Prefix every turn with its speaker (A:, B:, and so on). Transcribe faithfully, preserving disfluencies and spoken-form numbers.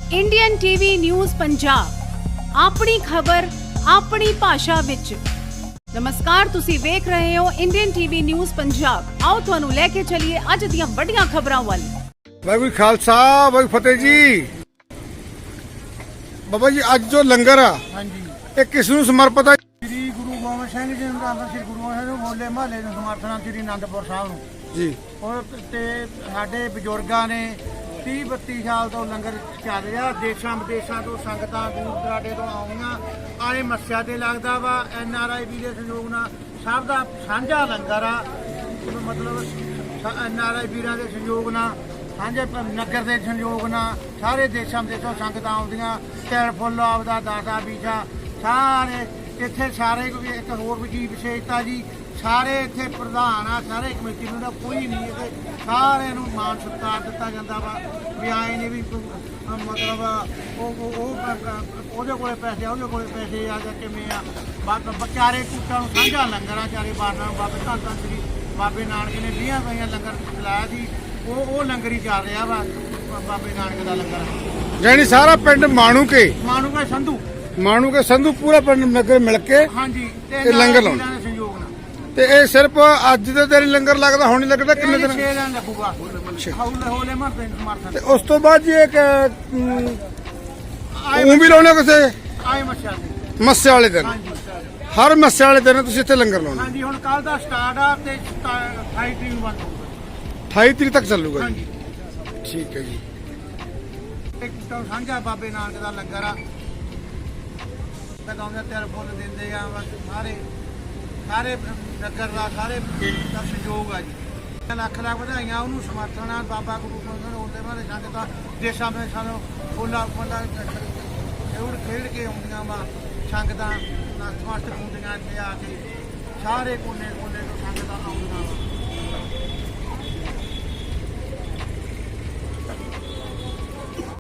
A: Indian TV news Punjab अपनी खबर अपनी भाषा विच। नमस्कार, तुसी वेख रहे हो इंडियन टीवी न्यूज़ पंजाब। आओ तुहानू लेके चलिए अज दियां वड्डियां खबरां वाल।
B: वाहिगुरू खालसा वाहिगुरू फतेह जी। बाबा जी अज जो लंगर आ ये किस नूं समर्पित है?
C: श्री गुरु गोबिंद सिंह जी ਨੂੰ ਤਾਂ श्री गुरु गोबिंद ਸਿੰਘ ਹੋਲੇ ਮਹੱਲੇ ਨੂੰ ਸਮਰਪਣ श्री आनंदपुर ਸਾਹਿਬ ਨੂੰ
B: जी।
C: ਔਰ ਤੇ ਸਾਡੇ ਬਜ਼ੁਰਗਾਂ ਨੇ तीस बत्ती ਸਾਲ ਤੋਂ ਲੰਗਰ ਚੱਲ ਰਿਹਾ। ਦੇਸ਼ਾਂ ਵਿਦੇਸ਼ਾਂ ਤੋਂ ਸੰਗਤਾਂ ਦੂਰ ਦਰਾਡੇ ਤੋਂ ਆਉਂਦੀਆਂ ਆਏ ਮੱਸਿਆ ਤੇ ਲੱਗਦਾ ਵਾ। ਐਨ ਆਰ ਆਈ ਵੀ ਦੇ ਸਹਿਯੋਗ ਨਾਲ ਸਭ ਦਾ ਸਾਂਝਾ ਲੰਗਰ ਆ। ਮਤਲਬ ਐਨ ਆਰ ਆਈ ਵੀਰਾਂ ਦੇ ਸਹਿਯੋਗ ਨਾਲ ਸਾਂਝੇ ਨਗਰ ਦੇ ਸਹਿਯੋਗ ਨਾਲ ਸਾਰੇ ਦੇਸ਼ਾਂ ਵਿਦੇਸ਼ੋਂ ਸੰਗਤਾਂ ਆਉਂਦੀਆਂ। ਤਿਲ ਫੁੱਲ ਆਪਦਾ ਦਾਤਾ ਬੀਜਾ ਸਾਰੇ ਇੱਥੇ ਸਾਰੇ ਇੱਕ ਹੋਰ ਵੀ ਚੀਜ਼ ਵਿਸ਼ੇਸ਼ਤਾ ਜੀ ਸਾਰੇ ਇੱਥੇ ਪ੍ਰਧਾਨ ਆ ਸਾਰੇ ਕਮੇਟੀ ਨੂੰ ਦਾ ਕੋਈ ਨਹੀਂ ਇੱਥੇ ਸਾਰਿਆਂ ਨੂੰ ਮਾਣ ਸਤਿਕਾਰ ਦਿੱਤਾ ਜਾਂਦਾ ਵਾ। ਵੀ ਆਏ ਨੇ ਵੀ ਮਤਲਬ ਉਹ ਉਹ ਉਹਦੇ ਕੋਲੇ ਪੈਸੇ ਉਹਦੇ ਕੋਲੇ ਪੈਸੇ ਆ ਜਾਂ ਕਿਵੇਂ ਆ ਵਿਚਾਰੇ ਕੁੱਟਾਂ ਨੂੰ ਸਾਂਝਾ ਲੰਗਰਾਂ ਚਾਰੇ ਬਾਰਨਾਂ ਬਾਬੇ ਧੰਨ ਧੰਨ ਸ੍ਰੀ ਬਾਬੇ ਨਾਨਕ ਨੇ ਵੀਹਾਂ ਵਈਆਂ ਲੰਗਰ ਚਲਾਇਆ ਸੀ। ਉਹ ਉਹ ਲੰਗਰ ਹੀ ਚੱਲ ਰਿਹਾ ਵਾ ਬਾਬੇ ਨਾਨਕ ਦਾ ਲੰਗਰ।
B: यानी सारा पिंड माणू के
C: ਮਾਨੂ ਕੇ ਸੰਧੂ
B: माणू के संधू पूरा पिंड नगर मिल के
C: ਹਾਂਜੀ
B: ਤੇ
C: ਤੇ
B: ਲੰਗਰ
C: ਲੰਗਰ
B: ਲਾਉਣਾ।
C: ਲਾਉਣਾ ਸਹਿਯੋਗ ਨਾਲ
B: ते ये सिर्फ अज दे दिन लंगर लगदा हुण नहीं लगदा किन्ने दिन?
C: ਛੇ ਦਿਨ ਲੱਗੂਗਾ ਹੌਲੇ ਹੌਲੇ ਮਰਦੇ ਸਮਰਥਨ
B: ते उस तो बाद जी एक
C: ਆਏ
B: ऊं भी लाउने किसे
C: ਆਏ ਮੱਛਾ ਦੇ
B: मस्से वाले दिन
C: ਹਾਂਜੀ
B: हर मस्से वाले दिन तुसीं इत्थे लंगर लाउणा।
C: ਹਾਂਜੀ ਹੁਣ ਕੱਲ ਦਾ ਸਟਾਰਟ ਆ ਤੇ ਅਠਾਈ ਤਰੀਕ ਨੂੰ ਬੰਦ ਹੋਊਗਾ।
B: अठाई तरीक तक चलूगा जी।
C: ਹਾਂਜੀ
B: ठीक है जी।
C: ਇੱਕ ਤਾਂ ਸਾਂਝਾ ਬਾਬੇ ਨਾਨਕ ਦਾ ਲੰਗਰ ਆ। ਲਗਾਉਂਦੇ ਤਿਲ ਫੁੱਲ ਦਿੰਦੇ ਆ ਬਸ ਸਾਰੇ ਸਾਰੇ ਨਗਰ ਦਾ ਸਾਰੇ ਦਾ ਸਹਿਯੋਗ ਆ ਜੀ। ਲੱਖ ਲੱਖ ਵਧਾਈਆਂ ਉਹਨੂੰ ਸਮਰਥਨ ਆ ਬਾਬਾ ਗੁਰੂ ਗੋਬਿੰਦ ਸਿੰਘ ਹੋਲੇ ਮਹੱਲੇ ਸੰਗਤਾਂ ਦੇਸ਼ਾਂ ਵਿੱਚ ਸਾਨੂੰ ਫੁੱਲਾ ਫੁੱਲਾ ਖੇਡ ਖੇਡ ਕੇ ਆਉਂਦੀਆਂ ਵਾ ਸੰਗਤਾਂ ਨਤਮਸਤਕ ਹੁੰਦੀਆਂ ਇੱਥੇ ਆ ਕੇ ਸਾਰੇ ਕੋਨੇ ਕੋਨੇ ਤੋਂ ਸੰਗਤਾਂ ਆਉਂਦੀਆਂ ਵਾ।